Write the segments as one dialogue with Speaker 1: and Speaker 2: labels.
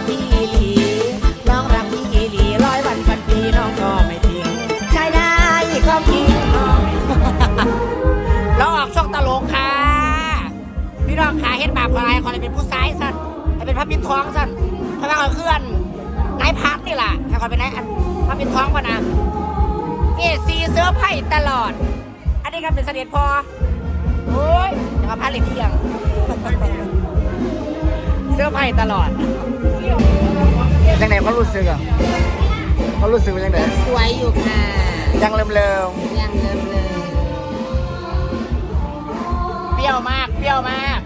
Speaker 1: พี่อีหลีน้องรักพี่อีหลี100 วันพันปีน้องก็ไม่ทิ้งใช่ได้ความจริงเราออกช่องตลกค่ะพี่น้องขาเห็นบาปอะไรขอเลยเป็นผู้ซ้ายสั้นให้เป็นพระปิ่นทองสั้นพระบางเคลื่อนนายพักนี่แหละให้ขอเป็นนายพระปิ่นทองป่ะนะนี่ซีเสื้อไผ่ตลอดอันนี้ก็เป็นเสด็จพอโอ้ยจะมาพัดเหล็กเที่ยงเสื้อไผ่ตลอดยังไงเขารู้สึกอ่ะเขารู้สึกว่ายังไงสวยอยู่ค่ะยังเริ่มยังเริ่มเปรี้ยวมากเปรี้ยวมาก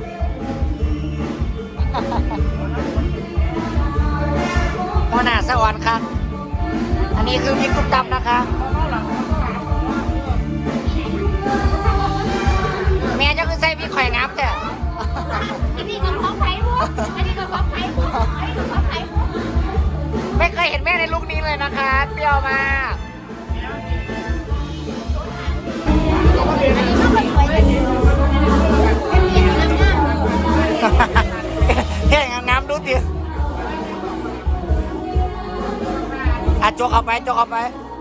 Speaker 1: หัวหน้าสวรรค์ครับอันนี้คือพริกตุ๊กตำนะคะแม่จะคือใส่พริกข่อยงับแต่อันนี้ก็ของไผ่หัวอันนี้ก็ของไผ่หัวอันนี้ก็ของไผ่หัวไม่เคยเห็นแม่ในลุคนี้เลยนะคะเปรี้ยวมากแค่งามดูดิโจกเอาไปโจกเอาไป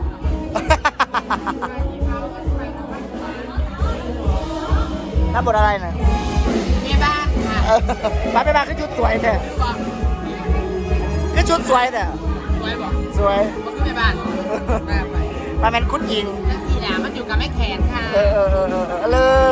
Speaker 1: น้ำบดอะไรเนี่ยแม่บ้านค่ะแม่บ้านคือชุดสวยเนี่ยคือชุดสวยเนี่ยสวยบอกสวยก็คือแม่บ้านมาเป็นคุณหญิงทีหนามันอยู่กับแม่แขนค่ะเลย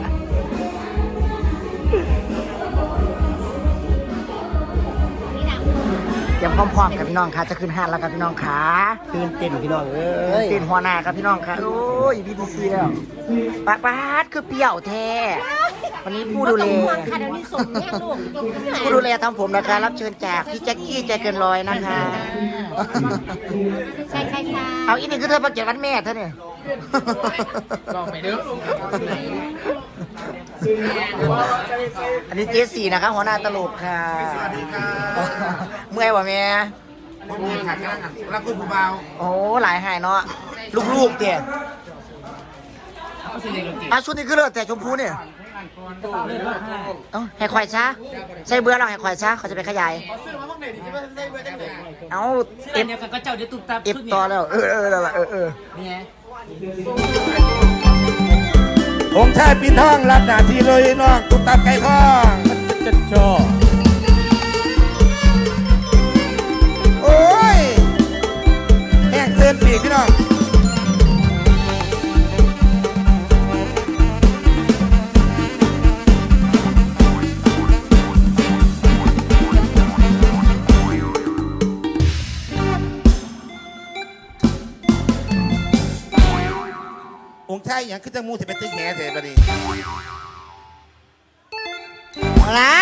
Speaker 1: เตรียมพร้อมๆกับพี่น้องค่ะจะขึ้นห้างแล้วกับพี่น้องขาตื่นเต้นพี่น้องตื่นหัวหน้ากับพี่น้องค่ะโอ้ยพี่ดีซีแล้วปากปาดคือเปรี้ยวแท้วันนี้ผู้ดูแลผู้ดูแลทำผมนะคะรับเชิญจากพี่แจ็คกี้ใจเกินร้อยนะคะใช่ค่ะเอาอีกหนึ่งคือเธอประเกียรวันแม่เธอเนี่ยลองไปเด้ออันนี้เจสี่นะคะหัวหน้าตลกค่ะสวัสดีค่ะเมื่อยวะแม่เมื่อยขาดกำลังรักคุณผู้เบาโอ้หลายหายเนาะลูกๆเตี่ยชุดนี้คือเลือดแต่ชมพูเนี่ยให้ควายช้าใส่เบื่อเราให้ควายช้าเขาจะไปขยายเอาเอฟก็เจ้าเดี๋ยวตุ๊บตับเอฟต่อแล้วเนี่ย
Speaker 2: องค์ชายปีทองรับหน้าที่เลยน้องตุ๊กตาไก่ทองจะชอโอ้ยแห้งเส้นปีกพี่น้ององค์ชายอย่างขึ้นจมูกจะเป็นตึ้งแห่เสร็จแล้วนี่
Speaker 1: ละ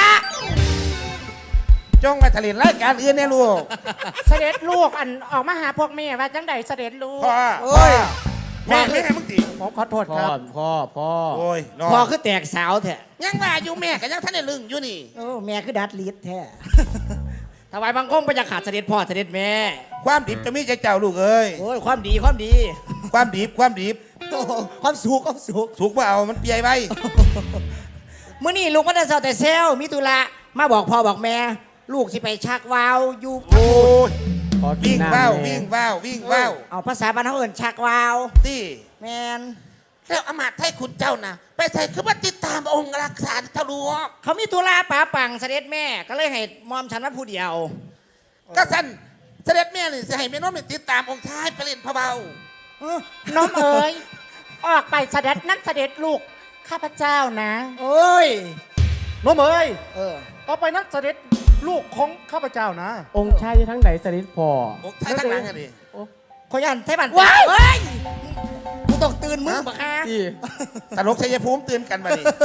Speaker 2: จ้องมาทะเลรายการอื่นเนี่ยลูก
Speaker 1: เสด็จลูกอันออกมาหาพวกแม่ว่าจังใดเสด็จลูก
Speaker 2: พ่อโอ้ยแม่ไม่ให้มึงตี
Speaker 1: ผมขอโทษครับ
Speaker 3: พ่อ
Speaker 2: โอ้ย
Speaker 1: พ่อคือแตกสาวแท้
Speaker 2: ยังว่าอยู่แม่กับยังท่านได้ลึงอยู่นี่
Speaker 1: โอ้แม่คือดัดลิดแท้ถวายบังคมพระยาขาดเสด็จพ่อเสด็จแม่
Speaker 2: ความดีจะมีใจเจ้าลูกเอ้ย
Speaker 1: โอ้ยความดีความดี
Speaker 2: ความดี
Speaker 1: ความสุข
Speaker 2: สุกว่าเอามันเปียไว้
Speaker 1: เมื่อนี่ลูกก็ได้เศร้าแต่เซลมิตุระมาบอกพ่อบอกแม่ลูกสิไปชักวาวอยู่
Speaker 2: โอ้ยวิ่งว้าว
Speaker 1: เอาภาษาบ้านเขาเอิ้นชักวาว
Speaker 2: ตี
Speaker 1: แมน
Speaker 2: แล้วอมาตย์ให้คุณเจ้านะไปใส่คือว่าติดตามองค์รักษาเจ้าลูก
Speaker 1: เขามีตุลาป่าปังเสด็จแม่ก็เลยให้มอมฉันว่าผู้เดียว
Speaker 2: ก็สั่นเสด็จแม่นี่จะให้แม่น้องติดตามองค์ชายไปเล่นพะเบา
Speaker 1: น้องเอ๋ยออกไปเสด็จนักเสด็จลูกข้าพเจ้านะเอ้ย
Speaker 3: น้องเอ๋ย
Speaker 1: ออกไปนักเสด็จลูกของข้าพเจ้านะ
Speaker 3: องค์ชายทั้งไหนเสด็จพ่อ
Speaker 2: องค์ชายทั้งหลังอะดิ
Speaker 1: ขยันไทยบันว้ายกูตกตื่นมึงปะคะ
Speaker 2: ตลกชัยภูมิตื่นกันมาดิ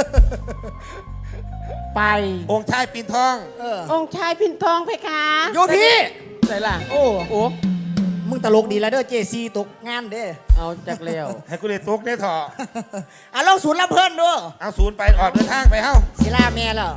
Speaker 1: ไป
Speaker 2: องค์ชายปีนทอง
Speaker 1: องค์ชายปีนทองเพคะ
Speaker 3: โยพี่ไหนล่ะโอ้
Speaker 1: มึงตลกดีแล้วเด้อเจซีตกงานเด้อ
Speaker 3: เอาจากเลี้ยว
Speaker 2: ให้กูเลยตกได้ถอ
Speaker 1: ลองศูนย์ลำเพิ่นด้วย
Speaker 2: เอาศูนย์ไปออกเดินทางไปเฮ้า
Speaker 1: ศิลาแม่แล้ว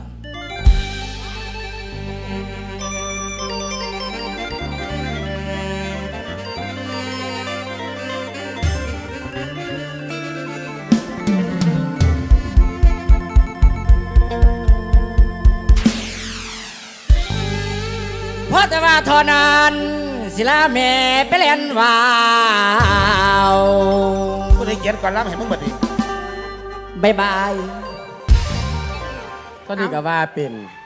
Speaker 1: เพราะแต่ว่าเทอนั้นศิลาแม่ไปเล่นวาว
Speaker 2: กูได้เขียนก่อนรับให้มึงบัดนี้
Speaker 1: บายบาย
Speaker 3: ก็ดีกับว่าเป็น